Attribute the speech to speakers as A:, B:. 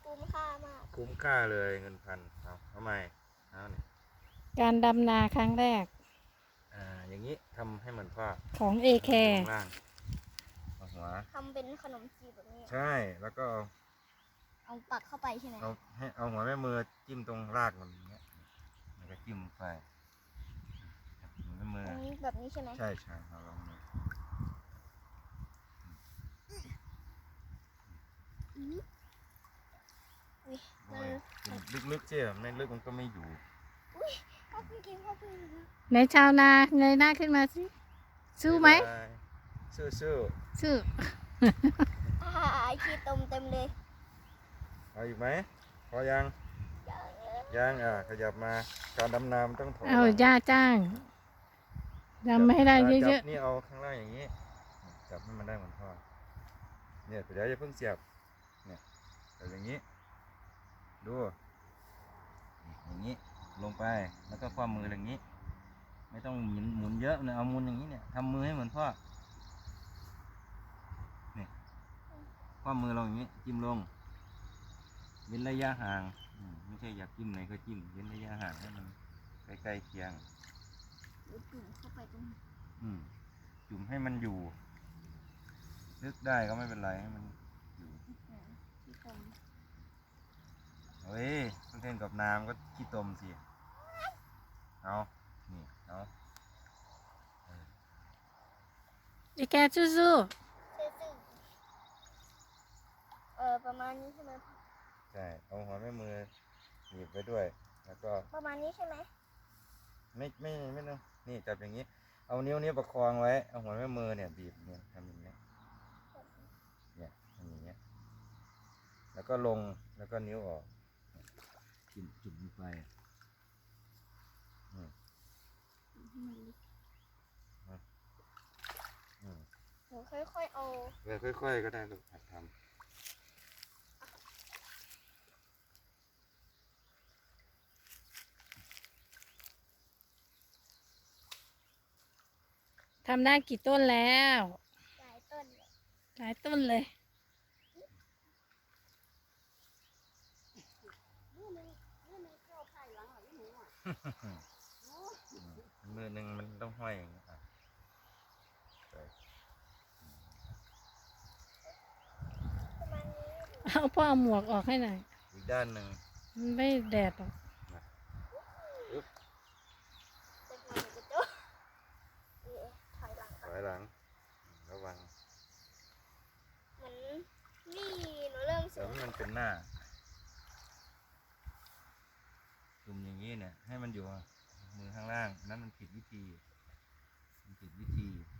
A: คุ้มค่ามาก
B: คุ้มค่าเลยเงินพันเอาทำไมเอาเนี่ย
C: การดำนาครั้งแรก
B: อย่างนี้ทำให้เหมือนพ่อ
C: ของเอแคร์
B: ข้างล่างเอาหัว
A: ทำเป็นขนมจีบแบบนี้
B: ใช่แล้วก็
A: เอาปักเข้าไปใช่ไหม
B: เอาหัวแม่มือจิ้มตรงรากมันอย่างเงี้ยแล้วก็จิ้มไปหัวแม่มือ
A: แบบนี้ใช่ไหม
B: ใช่ใช่เอาลองมือลึกๆเจ๊ไม่ลึกมันก็ไม่อยู่
A: พ่อเพิ่งกินพ่อเพิ่ง
C: ในชาวนาเงยหน้าขึ้นมาสิสู้ไหม
B: สู้
C: สู้
A: ไอขี้ตมเต็มเลย
B: เอาอีกไหมพอยังขยับมาการดำน้ำต้องถอย
C: เอาย่าจ้างดำไม่ให้ได้เยอะ
B: ๆนี่เอาข้างล่างอย่างนี้จับให้มันได้เหมือนพ่อเนี่ยเดี๋ยวจะเพิ่งเสียบเนี่ยแบบอย่างนี้ดูอย่างนี้ลงไปแล้วก็คว้ามืออย่างนี้ไม่ต้องหมุนเยอะเลยเอาหมุนอย่างนี้เนี่ยทำมือให้เหมือนพ่อเนี่ยคว้ามือลงอย่างนี้จิ้มลงเว้นระยะห่างไม่ใช่อยากจิ้มไหนก็จิ้มเว้นระยะห่างให้มันใกล้ๆเคียง
A: จุ่มเข้าไปตรง
B: จุ่มให้มันอยู่ลึกได้ก็ไม่เป็นไรให้มันอยู่เฮ้ยต้องเล่นกับน้ำก็ขี้ตมสิเอานี่เอา
C: ๆเอแคร์สู้
A: ประมาณนี้ใช่ไหม
B: ใช่เอาหัวแม่มือหนีบไว้ด้วยแล้วก็
A: ประมาณนี้ใช่ไหม
B: ไม่ต้องนี่จับอย่างนี้เอานิ้วนี้ประคองไว้เอาหัวแม่มือเนี่ยบีบเนี่ยทำอย่างเงี้ยเนี่ยทำอย่างเงี้ยแล้วก็ลงแล้วก็นิ้วออกจุ่มลงไป
A: หนูค่อยๆเอา
B: ค่อยๆก็ได้ลูกหัดทำ
C: ทำได้กี่ต้นแล้ว
A: หลายต้น
C: หลายต้นเลย
B: มือหนึ่งมันต้องห้อยอย่างนี้
C: เอาพ่อเอาหมวกออกให้หน่อย
B: อีกด้านหนึ่ง
C: มันไม่แดดหรอก
B: ถอยหลังระวัง
A: เหมือนนี่หนูเริ่ม
B: เดี๋ยวมันเป็นหน้าจุ่มอย่างนี้เนี่ยให้มันอยู่มือข้างล่างนั้นมันผิดวิธี